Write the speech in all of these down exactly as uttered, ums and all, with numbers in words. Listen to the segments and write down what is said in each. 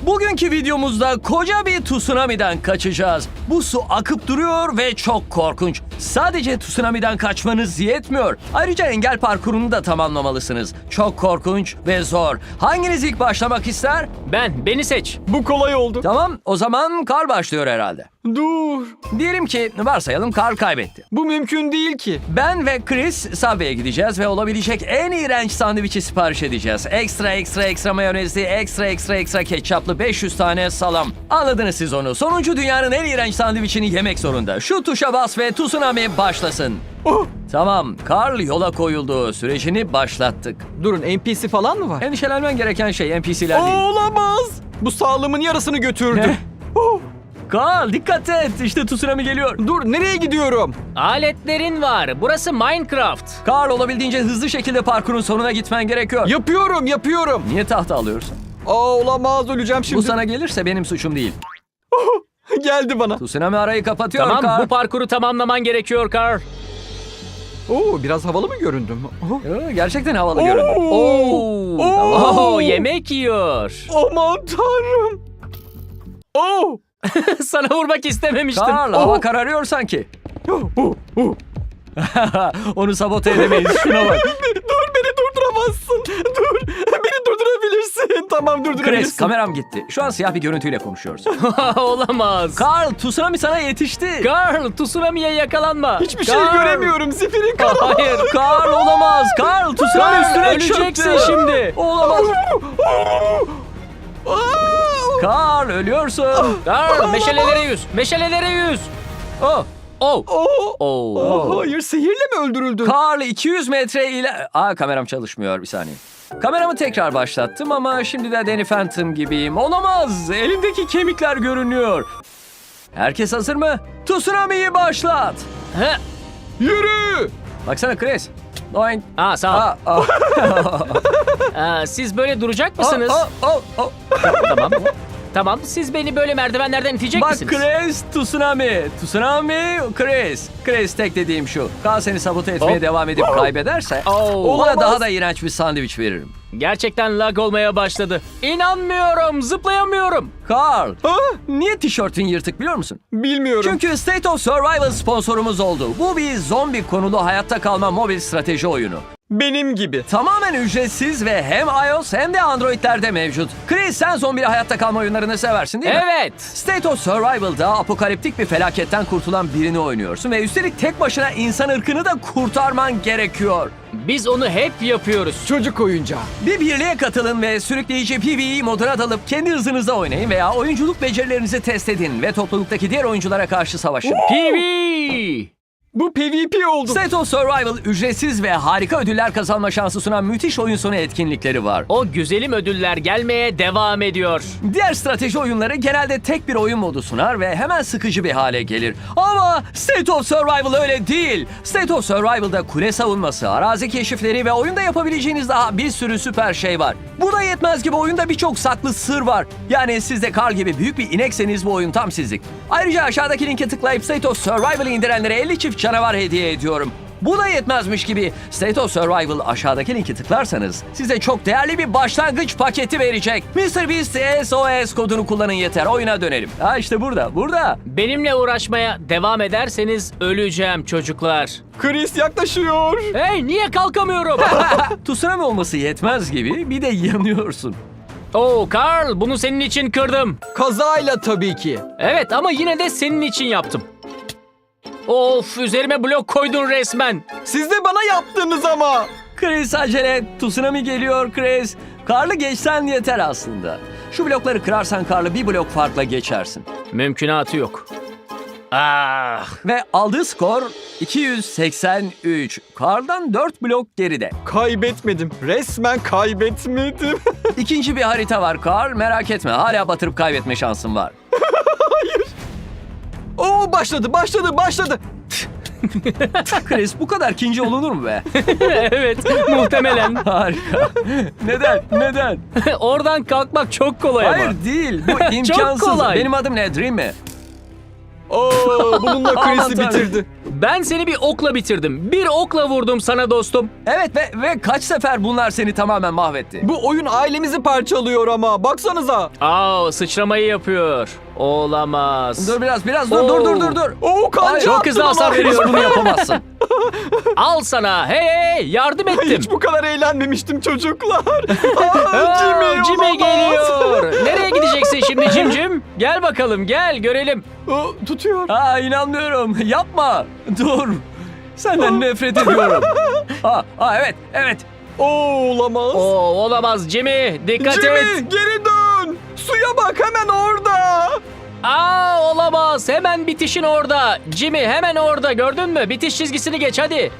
Bugünkü videomuzda koca bir tsunami'den kaçacağız. Bu su akıp duruyor ve çok korkunç. Sadece tsunami'den kaçmanız yetmiyor. Ayrıca engel parkurunu da tamamlamalısınız. Çok korkunç ve zor. Hanginiz ilk başlamak ister? Ben, beni seç. Bu kolay oldu. Tamam, o zaman Carl başlıyor herhalde. Dur. Diyelim ki varsayalım Carl kaybetti. Bu mümkün değil ki. Ben ve Chris Subway'e gideceğiz ve olabilecek en iğrenç sandviçi sipariş edeceğiz. Ekstra ekstra ekstra mayonezli, ekstra ekstra ekstra ketçaplı beş yüz tane salam. Anladınız siz onu. Sonuncu dünyanın en iğrenç sandviçini yemek zorunda. Şu tuşa bas ve tsunami başlasın. Oh. Tamam, Carl yola koyuldu. Sürecini başlattık. Durun, N P C falan mı var? Endişelenmen gereken şey N P C'ler değil. Olamaz. Bu sağlığımın yarısını götürdü. Oh. Carl dikkat et. İşte tsunami geliyor. Dur, nereye gidiyorum? Aletlerin var. Burası Minecraft. Carl olabildiğince hızlı şekilde parkurun sonuna gitmen gerekiyor. Yapıyorum, yapıyorum. Niye tahta alıyorsun? Aa, olamaz, öleceğim şimdi. Bu sana gelirse benim suçum değil. Geldi bana. Tsunami arayı kapatıyor Tamam, Carl. bu parkuru tamamlaman gerekiyor Carl. Oo, biraz havalı mı göründüm? Oh. Ee, Gerçekten havalı Oo. göründü. Oo. Tamam. Oo, yemek yiyor. Aman tanrım. Oh. Sana vurmak istememiştim. Carl, Oh. hava kararıyor sanki. Oh, oh, oh. Onu sabote edemeyiz. Şuna bak. Dur, beni durduramazsın. Dur, beni durdurabilirsin. Tamam, Chris, durdurabilirsin. kameram gitti. Şu an siyah bir görüntüyle konuşuyoruz. Olamaz. Carl, tsunami sana yetişti. Carl, tsunami'ye yakalanma. Hiçbir şey Carl. göremiyorum. Zifirin karanlığı. Hayır. Carl olamaz. Carl, tsunami Carl, üstüne öleceksin çöktü. şimdi. Olamaz. Aa! Carl, ölüyorsun. Carl, meşalelere yüz. Meşalelere yüz. Oh. Oh. Oh. Oh. Oh, hayır, sihirle mi öldürüldün? Carl iki yüz metre ile... Aa, kameram çalışmıyor, bir saniye. Kameramı tekrar başlattım ama şimdi de Danny Phantom gibiyim. Olamaz. Elimdeki kemikler görünüyor. Herkes hazır mı? Tsunami'yi başlat. He. Yürü! Baksana Chris. Oink. Aa, sağ ol. Aa, aa. Aa, siz böyle duracak mısınız? Aa, aa, aa. Tamam. Tamam, siz beni böyle merdivenlerden itecek Bak misiniz? Chris, tsunami. Tsunami, Chris. Chris, tek dediğim şu. Kaan seni sabote etmeye Hop. devam edip kaybederse... Oh. Ona Olamaz. daha da iğrenç bir sandviç veririm. Gerçekten lag olmaya başladı. İnanmıyorum, zıplayamıyorum. Carl, Ha? niye tişörtün yırtık biliyor musun? Bilmiyorum. Çünkü State of Survival sponsorumuz oldu. Bu bir zombi konulu hayatta kalma mobil strateji oyunu. Benim gibi. Tamamen ücretsiz ve hem iOS hem de Android'lerde mevcut. Chris, sen zombili hayatta kalma oyunlarını seversin değil mi? Evet. State of Survival'da apokaliptik bir felaketten kurtulan birini oynuyorsun ve üstelik tek başına insan ırkını da kurtarman gerekiyor. Biz onu hep yapıyoruz. Çocuk oyuncağı. Bir birliğe katılın ve sürükleyici PvE moduna dalıp kendi hızınızda oynayın veya oyunculuk becerilerinizi test edin ve topluluktaki diğer oyunculara karşı savaşın. P V. Bu P V P oldu. State of Survival ücretsiz ve harika ödüller kazanma şansı sunan müthiş oyun sonu etkinlikleri var. O güzelim ödüller gelmeye devam ediyor. Diğer strateji oyunları genelde tek bir oyun modu sunar ve hemen sıkıcı bir hale gelir. Ama State of Survival öyle değil. State of Survival'da kule savunması, arazi keşifleri ve oyunda yapabileceğiniz daha bir sürü süper şey var. Bu da yetmez gibi oyunda birçok saklı sır var. Yani siz de Carl gibi büyük bir inekseniz bu oyun tam sizlik. Ayrıca aşağıdaki linke tıklayıp State of Survival'ı indirenlere elli çift canavar hediye ediyorum. Bu da yetmezmiş gibi State of Survival aşağıdaki linki tıklarsanız size çok değerli bir başlangıç paketi verecek. mister Beast S O S kodunu kullanın yeter. Oyuna dönelim. Ha işte burada, burada. Benimle uğraşmaya devam ederseniz öleceğim çocuklar. Chris yaklaşıyor. Hey, niye kalkamıyorum? Tsunami olması yetmez gibi bir de yanıyorsun. Oh Carl, bunu senin için kırdım. Kazayla tabii ki. Evet ama yine de senin için yaptım. Of, üzerime blok koydun resmen. Siz de bana yaptınız ama. Chris acele et. Tsunami geliyor Chris. Karlı geçsen yeter aslında. Şu blokları kırarsan Karlı bir blok farkla geçersin. Mümkünatı yok. Ah. Ve aldığı skor iki yüz seksen üç. Karl'dan dört blok geride. Kaybetmedim. Resmen kaybetmedim. İkinci bir harita var Karl. Merak etme, hala batırıp kaybetme şansın var. Oo, başladı, başladı, başladı. Chris, bu kadar ikinci olunur mu be? Evet, muhtemelen. Harika. Neden? Neden? Oradan kalkmak çok kolay ama. Hayır değil. Bu imkansız. kolay. Benim adım ne? Dream mi? Oo, bununla Aman Chris'i tanrım. bitirdi. Ben seni bir okla bitirdim. Bir okla vurdum sana dostum. Evet ve, ve kaç sefer bunlar seni tamamen mahvetti. Bu oyun ailemizi parçalıyor ama. Baksanıza. Aa, sıçramayı yapıyor. Olamaz. Dur biraz biraz dur Oo. dur dur dur dur. Oo, kanca Ay, çok attın hızlı ama. hasar Chris veriyor. bunu yapamazsın. Al sana. Hey hey yardım ettim. Hiç bu kadar eğlenmemiştim çocuklar. Aa, Aa, Jimmy, Jimmy olamaz. geliyor. Nereye gideceksin şimdi Cimcim? Gel bakalım gel görelim. Aa, tutuyor. Aa inanmıyorum. Yapma. Dur. Senden nefret ediyorum. Aa, aa evet evet. Oo, olamaz. Oo, olamaz Jimmy. Dikkat Jimmy, et. geri dön. Suya bak, hemen orada. Aa, olamaz. Hemen bitişin orada. Jimmy hemen orada gördün mü? Bitiş çizgisini geç hadi.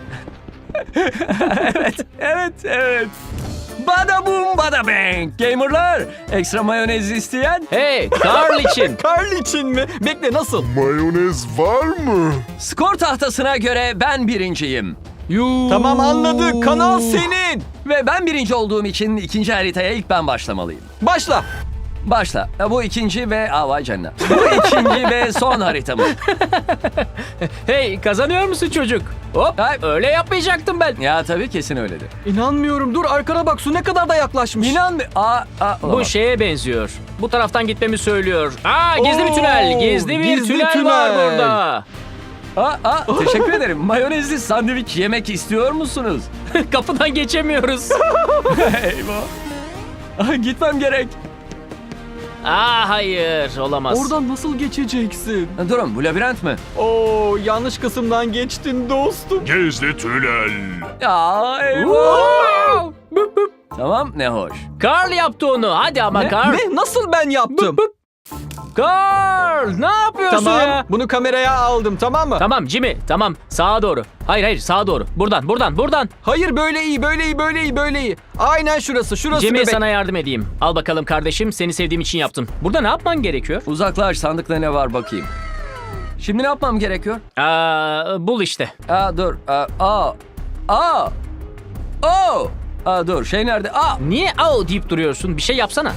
Evet evet evet. Bada boom bada bang. Gamerlar ekstra mayonez isteyen Hey Carl için. Karl için mi? Bekle, nasıl? Mayonez var mı? skor tahtasına göre ben birinciyim. Yuh. Tamam, anladık. Kanal senin. Ve ben birinci olduğum için ikinci haritaya ilk ben başlamalıyım. Başla. Başla. Ya bu ikinci ve... Aa vay canına. Bu ikinci ve son haritamız. Hey kazanıyor musun çocuk? Hop Ay. öyle yapmayacaktım ben. Ya tabii kesin öyledir. İnanmıyorum. Dur, arkana bak. Su ne kadar da yaklaşmış. İnan mı? Aa, aa, Bu olamaz. şeye benziyor. Bu taraftan gitmemi söylüyor. Aa gizli bir Oo, tünel. Gizli bir gizli tünel, var tünel. burada. Aa, aa, teşekkür ederim. Mayonezli sandviç yemek istiyor musunuz? Kapıdan geçemiyoruz. Eyvah. Aa, gitmem gerek. Aa hayır olamaz. Oradan nasıl geçeceksin? Durun bu labirent mi? Oo, yanlış kısımdan geçtin dostum. Gizli tünel. Ya eyvah. Wow! Bıp bıp. Tamam ne hoş. Carl yaptı onu. Hadi ama Ne? Carl. Ne? Nasıl ben yaptım? Bıp bıp. Carl ne yapıyorsun Tamam, ya? bunu kameraya aldım, tamam mı? Tamam Jimmy tamam sağa doğru. Hayır hayır sağa doğru. Buradan buradan buradan. Hayır, böyle iyi, böyle iyi, böyle iyi, böyle iyi. Aynen şurası, şurası Jimmy bebek. sana yardım edeyim. Al bakalım kardeşim seni sevdiğim için yaptım. Burada ne yapman gerekiyor? Uzaklaş sandıkta ne var bakayım. Şimdi ne yapmam gerekiyor? Aa, bul işte. Aa dur. Aa. Aa. Aa. Oo. Aa dur şey nerede? Aa. Niye au deyip duruyorsun? Bir şey yapsana.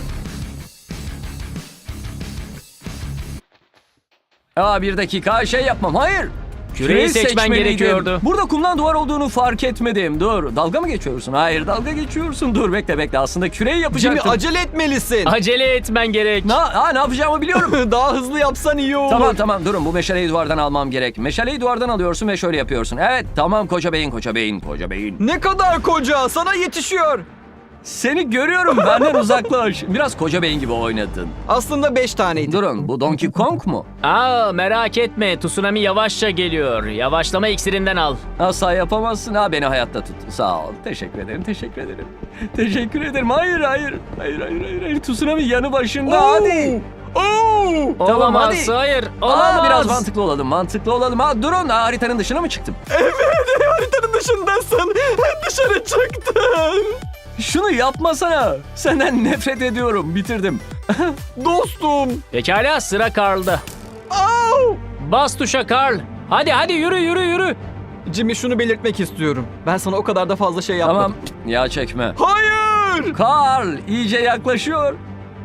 Aa bir dakika şey yapmam. Hayır. Küreyi seçmen seçmeliydim. gerekiyordu. Burada kumdan duvar olduğunu fark etmedim. Dur. Dalga mı geçiyorsun? Hayır dalga geçiyorsun. Dur bekle bekle. Aslında küreyi Jimmy, yapacaktım. acele etmelisin. Acele etmen gerek. Na, aa, ne yapacağımı biliyorum. Daha hızlı yapsan iyi olur. Tamam tamam durun bu meşaleyi duvardan almam gerek. Meşaleyi duvardan alıyorsun ve şöyle yapıyorsun. Evet tamam koca beyin koca beyin koca beyin. Ne kadar koca, sana yetişiyor. Seni görüyorum benden uzaklaş. Biraz koca beyin gibi oynadın. Aslında beş taneydi. Durun bu Donkey Kong mu? Aa merak etme tsunami yavaşça geliyor. Yavaşlama iksirinden al. Asla yapamazsın. Ha beni hayatta tut. Sağ ol. Teşekkür ederim. Teşekkür ederim. Teşekkür ederim. Hayır hayır. Hayır hayır hayır. hayır. Tsunami yanı başında. Hadi. Oo! Tamam, Olamaz hadi. hayır Aa, olamaz. biraz mantıklı olalım. Mantıklı olalım. Ha durun. Ha, haritanın dışına mı çıktım? Haritanın dışındasın. Dışarı çıktın. Şunu yapmasana. Senden nefret ediyorum. Bitirdim. Dostum. Pekala sıra Carl'da. Au! Bas tuşa Carl. Hadi hadi yürü yürü yürü. Jimmy, şunu belirtmek istiyorum. Ben sana o kadar da fazla şey yapmadım. Tamam. Ya çekme. Hayır! Karl iyice yaklaşıyor.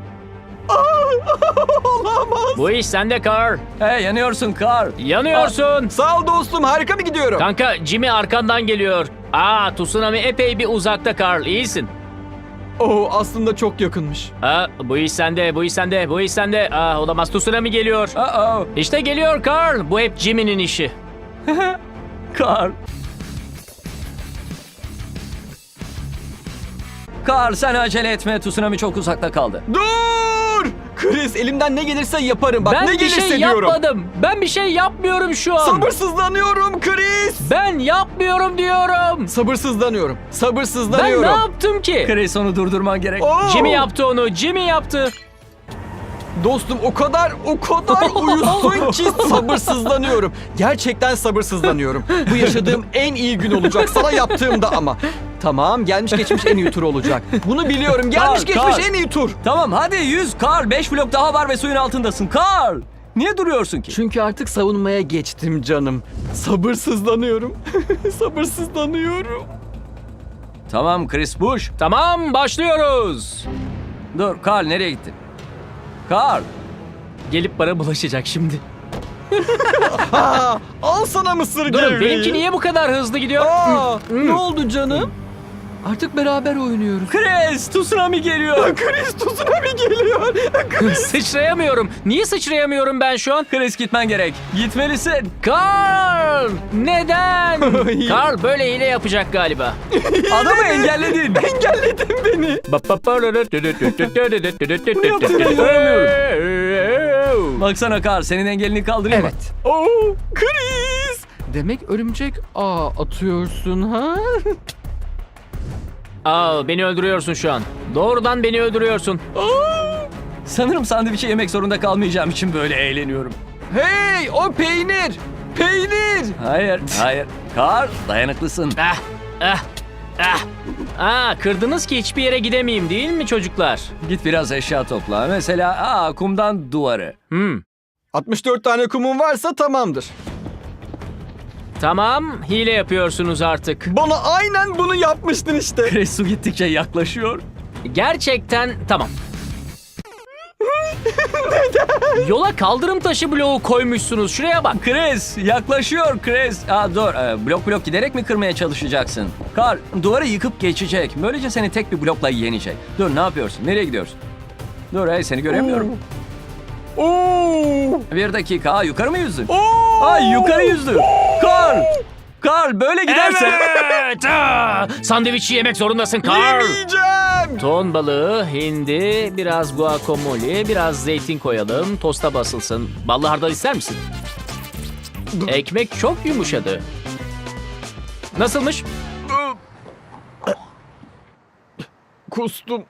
Olamaz. Bu iş sende Carl. Hey yanıyorsun Karl. Yanıyorsun. Sağ ol dostum, harika mı gidiyorum? Kanka Jimmy arkandan geliyor. Aa tsunami epey bir uzakta Carl. İyisin. Oo, aslında çok yakınmış. Aa, bu iş sende, bu iş sende, bu iş sende. Aa, olamaz tsunami geliyor. Uh-oh. İşte geliyor Carl. Bu hep Jimmy'nin işi. Karl. Karl sen acele etme. Tsunami çok uzakta kaldı. Dur! Chris, elimden ne gelirse yaparım. Bak, ben ne bir gelirse şey diyorum. yapmadım. Ben bir şey yapmıyorum şu an. Sabırsızlanıyorum Chris. Ben yapmıyorum diyorum. Sabırsızlanıyorum. Ben Sabırsızlanıyorum. ne yaptım ki? Chris onu durdurman gerek. Oo! Jimmy yaptı onu. Jimmy yaptı. Dostum, o kadar o kadar uyusun ki sabırsızlanıyorum. Gerçekten sabırsızlanıyorum. Bu yaşadığım en iyi gün olacak sana yaptığımda ama. Tamam, gelmiş geçmiş en iyi tur olacak. Bunu biliyorum. Gelmiş Kal, geçmiş kal. en iyi tur. Tamam hadi yüz Karl. Beş blok daha var ve suyun altındasın. Karl. Niye duruyorsun ki? Çünkü artık savunmaya geçtim canım. Sabırsızlanıyorum. Sabırsızlanıyorum. Tamam Chris Bush. Tamam başlıyoruz. Dur Karl nereye gittin? Karl. Gelip bana bulaşacak şimdi. Aa, al sana mısır Durun, gevreği. benimki niye bu kadar hızlı gidiyor? Aa, ne oldu canım? Artık beraber oynuyoruz. Chris, tsunami geliyor. Chris tsunami geliyor. Sıçrayamıyorum. Niye sıçrayamıyorum ben şu an? Chris gitmen gerek. Gitmelisin. Karl! Neden? Karl böyle hile yapacak galiba. Adamı engelledin. Engelledin beni. Baksana Carl, senin engelini kaldırayım mı? Evet. Oo, Chris. Demek örümcek ağ atıyorsun ha? Aa, beni öldürüyorsun şu an. Doğrudan beni öldürüyorsun. Sanırım sandviçi yemek zorunda kalmayacağım için böyle eğleniyorum. Hey, o peynir. Peynir. Hayır, hayır. Carl, dayanıklısın. Ah, ah, ah. Aa, kırdınız ki hiçbir yere gidemeyeyim değil mi çocuklar? Git biraz eşya topla. Mesela aa, kumdan duvarı. Hmm. altmış dört tane kumun varsa tamamdır. Tamam, hile yapıyorsunuz artık. Bana aynen bunu yapmıştın işte. Chris su gittikçe yaklaşıyor. Gerçekten tamam. Yola kaldırım taşı bloğu koymuşsunuz. Şuraya bak. Chris, yaklaşıyor Chris. Aa, dur, ee, blok blok giderek mi kırmaya çalışacaksın? Carl, duvarı yıkıp geçecek. Böylece seni tek bir blokla yenecek. Dur, ne yapıyorsun? Nereye gidiyorsun? Dur, hey, seni göremiyorum. Oo. Bir dakika, aa, yukarı mı yüzdün? Oo. Ay, yukarı yüzdü. Carl, Carl böyle giderse... Evet. aa! Sandviçi yemek zorundasın Karl. Yemeyeceğim. Ton balığı, hindi, biraz guacamole, biraz zeytin koyalım. Tosta basılsın. Ballı hardal ister misin? Ekmek çok yumuşadı. Nasılmış? Kustum.